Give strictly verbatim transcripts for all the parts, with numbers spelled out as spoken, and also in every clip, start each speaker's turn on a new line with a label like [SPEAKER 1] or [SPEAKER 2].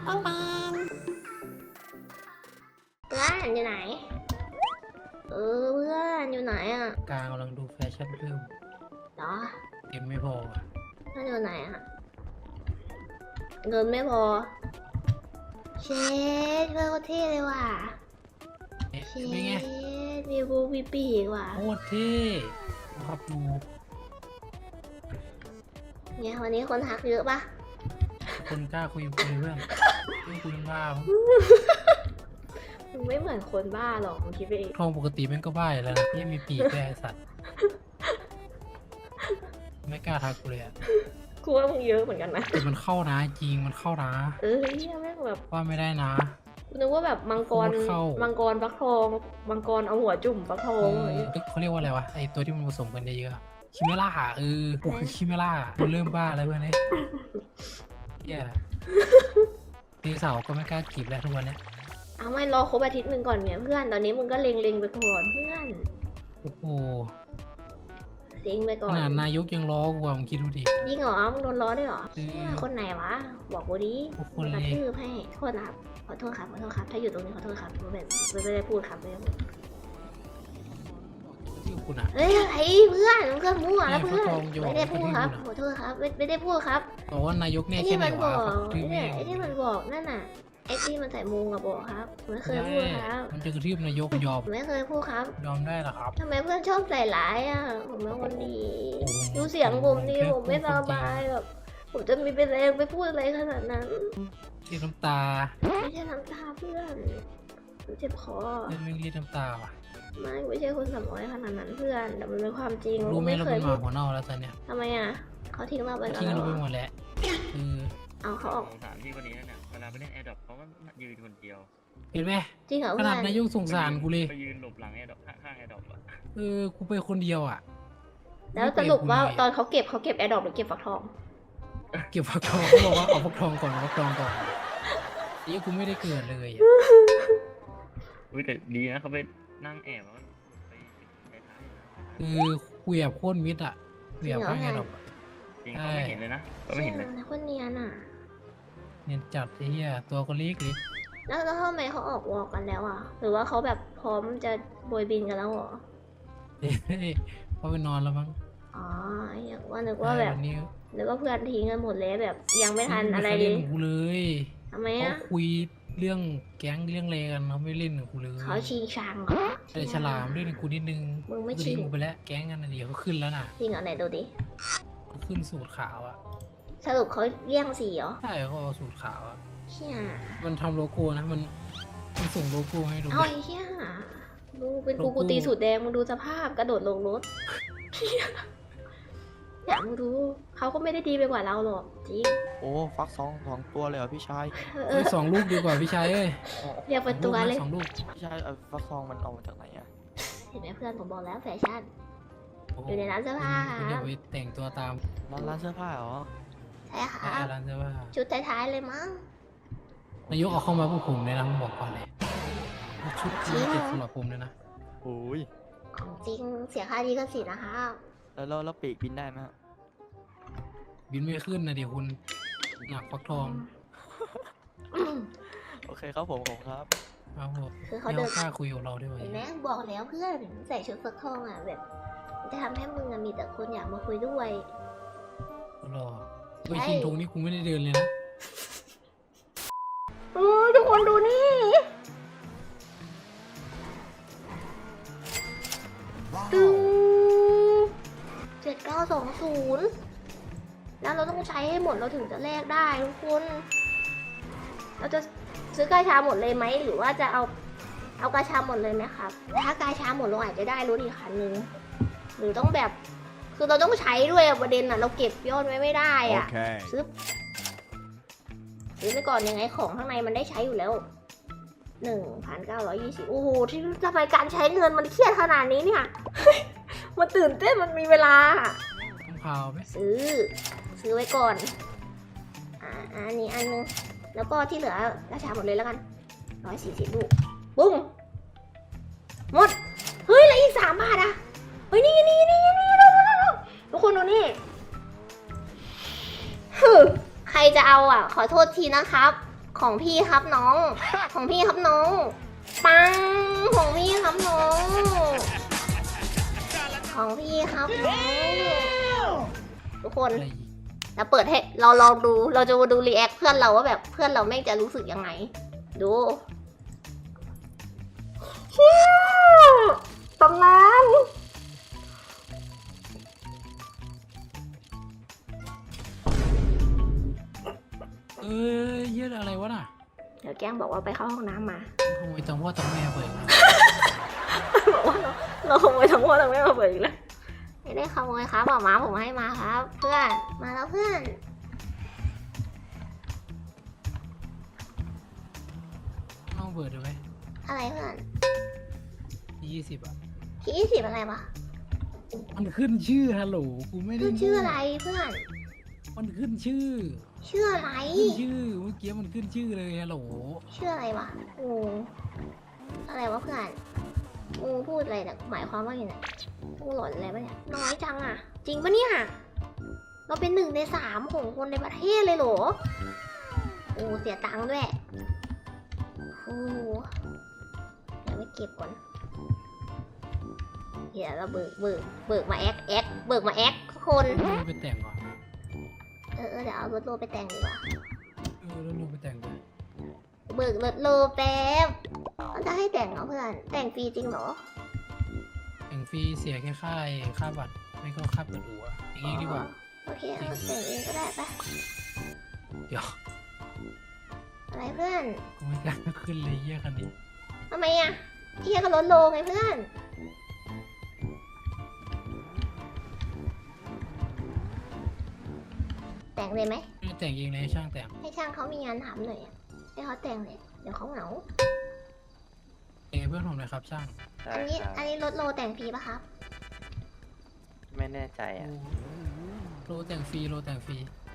[SPEAKER 1] ปังปังเพื่อนอยู่ไหนเออเพื่อนอยู่ไหนอ่ะ
[SPEAKER 2] กลางกำลังดูแฟชั่นเพิ่ม
[SPEAKER 1] เหรอ
[SPEAKER 2] เต็มไม่พอ
[SPEAKER 1] เพื่อนอยู่ไหนอ่ะเงินไม่พอเชดเพื่อนก็เท่เลยว่ะเชดมีบูมีปีกว่ะ
[SPEAKER 2] โคตรเท่ครับดู
[SPEAKER 1] เนี่ยวันนี้คนทักเยอะปะ
[SPEAKER 2] คนกล้าคุยกับเพื่อนไม่คุยบ้า
[SPEAKER 1] มึงไม่เหมือนคนบ้าหรอกมึงคิดไปเอง
[SPEAKER 2] ทองปกติแม่งก็บ้าแล้วนะนี่มีปีกแกสัตว์ไม่กล้าทักกูเลยอ่ะ
[SPEAKER 1] กูว่ามึงเยอะเหมือนกันนะ
[SPEAKER 2] แต่มันเข้านะจริงมันเข้านะ
[SPEAKER 1] เออเนี่ยแม่งแบบ
[SPEAKER 2] ว่าไม่ได้นะ
[SPEAKER 1] กูนึกว่าแบบมังกรมังกรฟักทองมังกรเอาหัวจุ่มฟักทอง
[SPEAKER 2] เขาเรียกว่าอะไรวะไอตัวที่มันผสมกันเยอะๆคิเมล่าเออกูคือคิเมล่ากูเริ่มบ้าแล้วเพื่อนเนี่ยเนี่ยตีเสาก็ไม่กล้าจีบแล้วทุกวันเนี้ย
[SPEAKER 1] เอาไม่รอครบอาทิตย์หนึ่งก่อนเนี่ยเพื่อนตอนนี้มึงก็เล็งๆไปก่อนเพื่อน
[SPEAKER 2] โอ้โห
[SPEAKER 1] เล็งไปก่อน
[SPEAKER 2] ขนาดนายกยังล้อกูมึงคิดดูดิ
[SPEAKER 1] ยิ่งเหรอมึงโดนล้อได้เหรอคนไหนวะบอกกูดิกูกระทืบให้โทษนะครับขอโทษครับขอโทษครับถ้าอยู่ตรงนี้ขอโทษครับไม่ไม่ได้พูดครับไม่ได้พูดเฮ้ยไอ้เพื่อนเพื่อนมั่วแล้วเพื่อนไม่ได้พูดครับขอโทษครับไม่ไม่ได้พูดครับ
[SPEAKER 2] บอกว่านายกเนี่ยแค่ไหนวะ
[SPEAKER 1] ไอ้ที่มันบอกนั่นน่ะไอ้ที่มันใส่มุงอะบอกครับไม่เคยพูดครับ
[SPEAKER 2] มันจะกระทืบนายกยอม
[SPEAKER 1] ไม่เคยพูดครับ
[SPEAKER 2] ยอมได้หรอครับ
[SPEAKER 1] ทำไมเพื่อนชอบใส่ร้ายอะผมเป็นคนดีดูเสียงผมดีผมไม่สบายแบบผมจะมีเป็นแรงไปพูดอะไรขนาดนั้น
[SPEAKER 2] เรียกน้ำตา
[SPEAKER 1] ไม่ใช่น้ำตาเพื่อนเจ็บคอ
[SPEAKER 2] ไม่เรียกน้ำตาว่ะ
[SPEAKER 1] ไม่ไม่ใช่คนสำน้อยขนาดนั้นเพื่อนแต่มันเป็นความจริง
[SPEAKER 2] รู้ไหมเราเป็นหมาหัวเน่าแล้วตอนเนี้ย
[SPEAKER 1] ทำไมอ่ะเขาทิ้งเราไปแล้ว
[SPEAKER 2] ทิ้งเราไปหมดแล้วคือ
[SPEAKER 1] เอาเขาออก
[SPEAKER 3] สารที่คนนี้เนี่ยเวลาไปเล่นแอร์ดรอปเขาก็ยืนคนเดียว
[SPEAKER 2] เห็นไหม
[SPEAKER 1] จริงเหรอ
[SPEAKER 2] ขนาดนายกสงสารกูเลย
[SPEAKER 3] ไปยืนหลบหลังแอร์ดรอปข้างแอร์ดรอปอะ
[SPEAKER 2] เออกูไปคนเดียวอ่ะ
[SPEAKER 1] แล้วสรุปว่าตอนเขาเก็บเขาเก็บแอร์ดรอปหรือเก็บฟักทอง
[SPEAKER 2] เก็บฟักทองเขาบอกว่าเอาฟักทองก่อนฟักทองก่อนนี่กูไม่ได้เกิดเลย
[SPEAKER 3] อุ้ยแต่ดีนะเขาไปนั่งแอบ
[SPEAKER 2] คือคุยแบบโคตรมิดอ่ะคุยแบบข้างแอร์ดรอป
[SPEAKER 3] จริงเขาไม่เห็นเลยนะเขาไม่เห็นเลย
[SPEAKER 1] คนเนียนอ่ะ
[SPEAKER 2] เนียนจัดไอ้เหี้ยตัวก็เล็กเลย
[SPEAKER 1] แล้วแล้วทำไมเขาออกวอลกันแล้วอ่ะหรือว่าเขาแบบพร้อมจะโบยบินกันแล้วเหรอ
[SPEAKER 2] เฮ้ยเขาไปนอนแล้วมั้ง
[SPEAKER 1] อ๋ออย่างว่านึกว่าแบบนึกว่าเพื่อนทิ้งกันหมดเลยแบบยังไม่ทันอะไรเลย
[SPEAKER 2] กูเลย
[SPEAKER 1] ทำไมอ่ะ
[SPEAKER 2] เขาคุยเรื่องแก๊งเรื่องอะไรกันเขาไม่เล่นกับกูเลย
[SPEAKER 1] เขาชิงชังเหรอ
[SPEAKER 2] แต่ฉลามเล่นกับกูนิดนึง
[SPEAKER 1] มึงไม่ชิง
[SPEAKER 2] กูไปแล้วแก๊งกันนะเดี๋ยวเขาขึ้นแล้วน่ะ
[SPEAKER 1] จริงเหรอไหนดูดิ
[SPEAKER 2] เขาขึ้นสูตรขาวอ่ะ
[SPEAKER 1] สรุปเขาเลี่ยงสีเหรอ
[SPEAKER 2] ใช่เขาเอาสูตรขาวอ่ะ
[SPEAKER 1] เชี่ย
[SPEAKER 2] มันทำโลโก้นะมันมันส่งโลโก้ให้ดู
[SPEAKER 1] เอาไอ้เชี่ยดูเป็นกูกูตีสูตรแดงมึงดูสภาพกระโดดลงรถอยากมึงดูเขาก็ไม่ได้ดีไปกว่าเราหรอกจริง
[SPEAKER 4] โอ้ฟักสองสองตัวเลยเหรอพี่ชาย
[SPEAKER 2] สองลูกดีกว่าพี่ชายเอ้ย
[SPEAKER 1] เรียกเป็นตัวเลย
[SPEAKER 2] สองลูก
[SPEAKER 4] พี่ชายฟักทองมันเอามาจากไหนอะ
[SPEAKER 1] เห็นไหมเพื่อนผมบอกแล้วแฟชั่นอยู่ในร้านเสื้อผ้า
[SPEAKER 2] เดี๋ยวไปแต่งตัวตาม
[SPEAKER 4] ร้านร้านเสื้อผ้าเหรอ
[SPEAKER 1] ใช่ค่ะ
[SPEAKER 2] ร้านเสื้อผ้า
[SPEAKER 1] ชุดท้ายๆเลยมั้ง
[SPEAKER 2] นายกเอาเข้ามาพวกผมเลยนะผมบอกก่อนเลยชุดนี้เด็ดสำหรับผมเลยนะ
[SPEAKER 4] โอ้ย
[SPEAKER 1] ของจริงเสียค่าดีก็สินะคะ
[SPEAKER 4] แล้วเราปีกบินได้ไหม
[SPEAKER 2] บินไม่ขึ้นนะเดี๋ยวคุณหนักฟักทอง
[SPEAKER 4] โอเคครับผมผมครับ
[SPEAKER 2] ครับผมคือเขาเดินกล้าคุยกับเราด้วย
[SPEAKER 1] แม่บอกแล้วเพื่อนใส่ชุดฟักทองอ่ะแบบจะทำให้มึงมีแต่คนอยากมาคุยด้วย
[SPEAKER 2] รอไปชินทงนี่กูไม่ได้เดินเลยนะ
[SPEAKER 1] โอ้ทุกคนดูนี่ตึ้งเจ็ดเก้าสองศูนย์แล้วเราต้องใช้ให้หมดเราถึงจะแลกได้ทุกคนเราจะซื้อกาชาหมดเลยไหมหรือว่าจะเอาเอากาชาหมดเลยไหมครับถ้ากาชาหมดเราอาจจะได้รถอีกคันนึงหรือต้องแบบคือเราต้องใช้ด้วยประเด็นอ่ะเราเก็บยอดไว้ไม่ได้อ่ะ
[SPEAKER 4] okay.
[SPEAKER 1] ซื้อซื้อไปก่อนยังไงของข้างในมันได้ใช้อยู่แล้วหนึ่งพันเก้าร้อยยี่สิบโอ้โหที่ทำไมการใช้เงินมันเครียดขนาดนี้เนี่ยมันตื่นเต้นมันมีเวลา
[SPEAKER 2] ต้องพาวไหม
[SPEAKER 1] ซื้อซื้อไว้ก่อนอ่าอันนี้อันนึงแล้วก็ที่เหลือราชาหมดเลยแล้วกันร้อยสี่สิบลูกบุ้งหมดเฮ้ยแล้วอีกสามบาทอ่ะเฮ้ยนี่นี่นี่นี่ทุกคนดูนี่ใครจะเอาอ่ะขอโทษทีนะครับของพี่ครับน้อง ของพี่ครับน้อง ปัง ของพี่ครับน้อง ของพี่ครับน้อง ทุกคน
[SPEAKER 2] อะไรอีก
[SPEAKER 1] เราเปิดให้เราลองดู เราจะมาดูรีแอคเพื่อนเราว่าแบบเพื่อนเราแม่งจะรู้สึกยังไง ดูเชี่ยตำนาน
[SPEAKER 2] เอ้ยเหี้ยอะไรวะน่ะ
[SPEAKER 1] เดี๋ยวแกล้งบอกว่าไปเข้าห้องน้ำมา
[SPEAKER 2] ขโมยตังพ่อตังแม่เบิกมา
[SPEAKER 1] บอกว่าเราเราขโมยทั้งหมดทั้งไม่มาเปิดอีกแล้วไม่ได้ขโมยครับหมาม้าผมให้มาครับ เพื่อนมาแล้วเพื่อน
[SPEAKER 2] น้องเบิดดูไหม
[SPEAKER 1] อะไรเพื่อน
[SPEAKER 2] ยี่สิบอ่ะ
[SPEAKER 1] ที่ยี่สิบอะไรวะ
[SPEAKER 2] มันขึ้นชื่อฮัลโหลกูไม่ได้
[SPEAKER 1] คือชื่ออะไรเพื่อน
[SPEAKER 2] มันขึ้นชื่อ
[SPEAKER 1] ชื่ออะไร
[SPEAKER 2] ขึ้นชื่อเมื่อกี้มันขึ้นชื่อเลยฮัลโหล
[SPEAKER 1] ชื่ออะไรวะงูอะไรวะเพื่อนงูพูดอะไรเนี่ยหมายความว่าอย่างไรงูหลอนอะไรปะเนี่ยน้อยจังอ่ะ จริงปะเนี่ยเราเป็นหนึ่งในสามของคนในประเทศเลยเหรอโอ้เสียตังค์ด้วยโอ้เดี๋ยวไปเก็บก่อนเดี๋ยวเราเบิกเบิกเบิกมาแอคแอคเบิกมาแอคทุกคน
[SPEAKER 2] เราไปแต่งก่อน
[SPEAKER 1] เออเออเดี๋ยวเอารถโลไปแต่งดีกว่า
[SPEAKER 2] เออแล้วเราไปแต่งก่อน
[SPEAKER 1] เบิกรถโลแป๊บมันจะให้แต่งเหรอเพื่อนแต่งฟรีจริงเหรอ
[SPEAKER 2] แต่งฟรีเสียแค่ค่าไอ้ค่าบัตรไม่ก็ค่าเปิดหัวอย่างงี้ดีกว่า
[SPEAKER 1] โอเคเอาแต่งเองก็ได้ปะ
[SPEAKER 2] เดี๋ยว
[SPEAKER 1] อะไรเพื่อน
[SPEAKER 2] กูไม่กล้าขึ้นเลยเยี่ยคันนี้
[SPEAKER 1] ทำไมอ่ะเที่ยก็ลดโลไงเพื่อนแต่งเลยไหม
[SPEAKER 2] ไม่แต่งเองเลยช่างแต่ง
[SPEAKER 1] ให้ช่างเขามีงานทำหน่อยอะให้เขาแต่งเลยเดี๋ยวเขาเหงา
[SPEAKER 2] เองเพื่อนผมหน่อยครับช่าง
[SPEAKER 5] ใช่
[SPEAKER 1] อันนี้
[SPEAKER 5] ครับ
[SPEAKER 1] อันนี้ลดโลแต่งฟรีปะครับ
[SPEAKER 5] ไม่แน่ใจอ่ะ
[SPEAKER 2] โลแต่งฟรีโลแต่งฟรี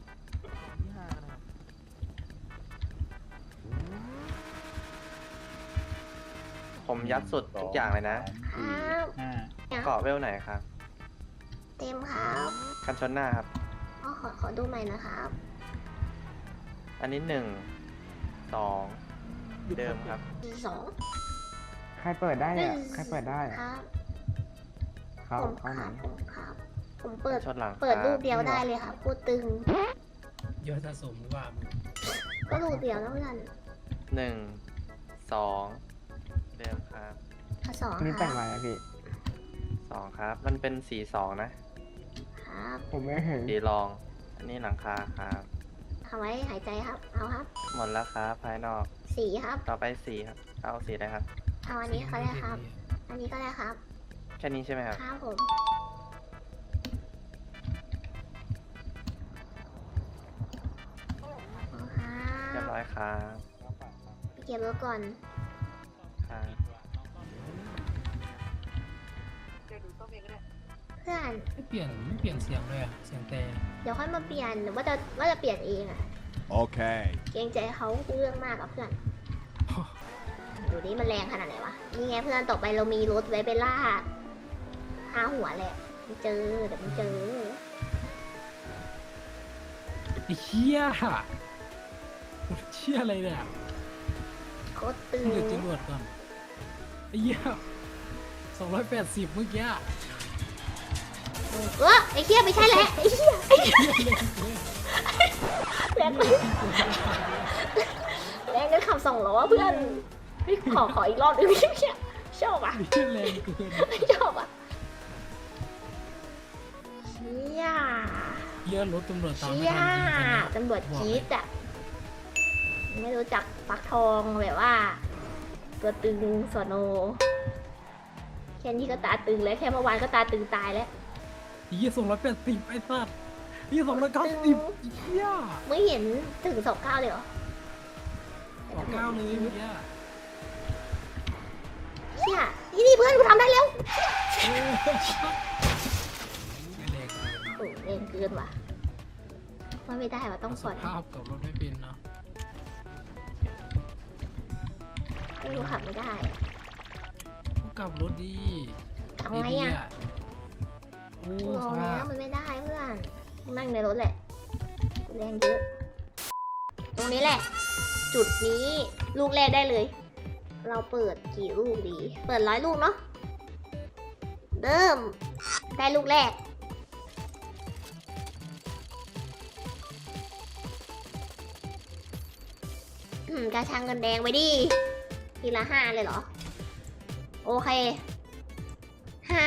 [SPEAKER 5] ผมยัดสุดทุกอย่างเลยนะ
[SPEAKER 1] ครับ
[SPEAKER 3] ห้า
[SPEAKER 1] เนี่ย
[SPEAKER 5] เกาะเวลไหนครับ
[SPEAKER 1] เต็มครับ
[SPEAKER 5] คันชนหน้าครับ
[SPEAKER 1] อ๋อขอขอดูใหม่นะครับ
[SPEAKER 5] อันนี้หนึ่ง สอง เดิมครับ
[SPEAKER 1] สอง
[SPEAKER 6] ใครเปิดได้อะใครเปิดได้
[SPEAKER 1] ค
[SPEAKER 6] อะ
[SPEAKER 1] รับ
[SPEAKER 6] เขา
[SPEAKER 1] ผม
[SPEAKER 6] เขาไหน
[SPEAKER 1] ครับผมครับ ผมเปิด
[SPEAKER 5] ชนหลัง
[SPEAKER 1] เปิด
[SPEAKER 5] ค
[SPEAKER 1] รู
[SPEAKER 5] บ
[SPEAKER 1] ปเดียวได้เลยครับพูดตึง
[SPEAKER 2] ยอดสะสมหรือว่ามึง
[SPEAKER 1] ก็รูปเดียวแล้วเพื่อน
[SPEAKER 5] หนึ่ง สอง เดิมครับ
[SPEAKER 1] ข้อสอง
[SPEAKER 6] อันนี้
[SPEAKER 1] ค
[SPEAKER 6] แต่
[SPEAKER 1] รั
[SPEAKER 6] ง
[SPEAKER 1] บ
[SPEAKER 6] อะไรอะพี่
[SPEAKER 5] สองครับ มันเป็นสีสองนะ
[SPEAKER 1] ครับ
[SPEAKER 6] ผมไม่เห็น
[SPEAKER 5] สีรอง อันนี้หลังคาครับ
[SPEAKER 1] เอาไว้หายใจครับ เอาครับ
[SPEAKER 5] หมดแล้วครับภายนอก
[SPEAKER 1] สีครับ
[SPEAKER 5] ต่อไปสีครับ เอาสีอะไรครับ
[SPEAKER 1] เอาอันนี้ก็ได้ครับ อันนี้ก็ได้ครับ
[SPEAKER 5] แค่นี้ใช่ไหมครับ
[SPEAKER 1] ครับผม เอาครั
[SPEAKER 5] เรีย
[SPEAKER 1] บบ
[SPEAKER 5] ร้อยครับ
[SPEAKER 1] ไปเก็บรถก่อน
[SPEAKER 5] ครับ
[SPEAKER 1] เพื่อน
[SPEAKER 2] ไม่เปลี่ยนไม่เปลี่ยนเสียงเลยอะเสียงแต่
[SPEAKER 1] เดี๋ยวค่อยมาเปลี่ยนหรือว่าจะว่าจะเปลี่ยนเองอะ
[SPEAKER 7] Okay.
[SPEAKER 1] เกรงใจเขาเรื่องมากกับเพื่อน ดูนี่มันแรงขนาดไหนวะ นี่ไงเพื่อนต่อไปเรามีรถไว้ไปล่าหาหัวแหละมันเจอเดี๋ยวมันเจอ
[SPEAKER 2] ไอ้เหี้ยเชี่ยอะไรเนี่ย
[SPEAKER 1] โคตรตึง
[SPEAKER 2] มึงหยุดจรวดก่อนไอ้เหี้ยสองร้อยแปดสิบเมื่อกี้
[SPEAKER 1] เออไอ้เหี้ยไม่ใช่แหละไอ้เหี้ยไอ้เหี้ยแรงไปแรงกันขับสองล้อเพื่อนไม่ขอขออีกรอบหนึงเชี่ยชอบอ่ะ
[SPEAKER 2] นี่แรงเกิน
[SPEAKER 1] ไม่ชอบอ่ะเชี่ย
[SPEAKER 2] เหี้ยรถตำรวจตามไม่
[SPEAKER 1] เชี่ย
[SPEAKER 2] ทันจริงตอนเนี้ย
[SPEAKER 1] ตำรวจจี๊ดอ่ะไม่รู้จักปักทองแบบว่า ตัวตึงสอนอแค่นี้ก็ตาตึงแล้วแค่เมื่อวานก็ตาตึงตายแล้ว
[SPEAKER 2] ไอ้เหี้ยสองร้อยแปดสิบไอ้สัสไอ้เหี้ยสองร้อยเก้าสิบเหี้ย
[SPEAKER 1] ไม่เห็นถึงสองเก้าเลยเหรอ
[SPEAKER 2] สองเก้าเลยเมื่อกี้
[SPEAKER 1] เชี่ยนี่นี่เพื่อนกูทำได้แล้ว
[SPEAKER 2] เออไม่แรงเลย
[SPEAKER 1] โอ้เร่งเกินว่ะว่าไม่ได้ว่ะต้อง
[SPEAKER 2] ส
[SPEAKER 1] ผ่อน
[SPEAKER 2] ภาพกับรถไม่เป็นเนาะ
[SPEAKER 1] ไม่รู้ขับไม่ได้
[SPEAKER 2] ต้องกลับรถดี
[SPEAKER 1] ทำไงอ่ะ
[SPEAKER 2] โอ้
[SPEAKER 1] กูล
[SPEAKER 2] ส
[SPEAKER 1] อง
[SPEAKER 2] ภา
[SPEAKER 1] แล้
[SPEAKER 2] พ
[SPEAKER 1] วมันไม่ได้เพื่อนนั่งในรถแหละกูแรงเยอะ ตรงนี้แหละจุดนี้ลูกแรกได้เลย เราเปิดกี่ลูกดี เปิดร้อยลูกเนาะเริ่มได้ลูกแรกอืมกระชังเงินแดงไปดิทีละห้าเลยเหรอ โอเคห้า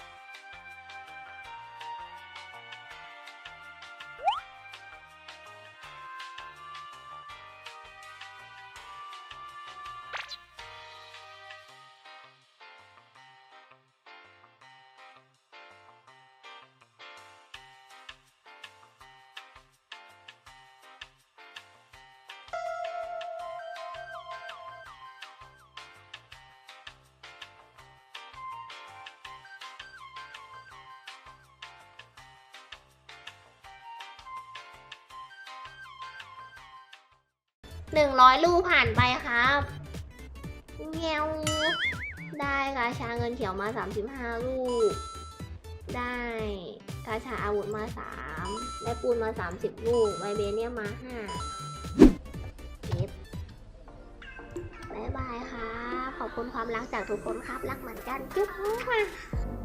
[SPEAKER 1] หนึ่งร้อยลูกผ่านไปครับเงี้ยวได้กาชาเงินเขียวมาสามสิบห้าลูก ได้กาชาอาวุธมาสามได้ปูนมาสามสิบลูกไวเบเนียมมาห้าเก็บบายบายครับขอบคุณความรักจากทุกคนครับ รักเหมือนกันจุ๊บมา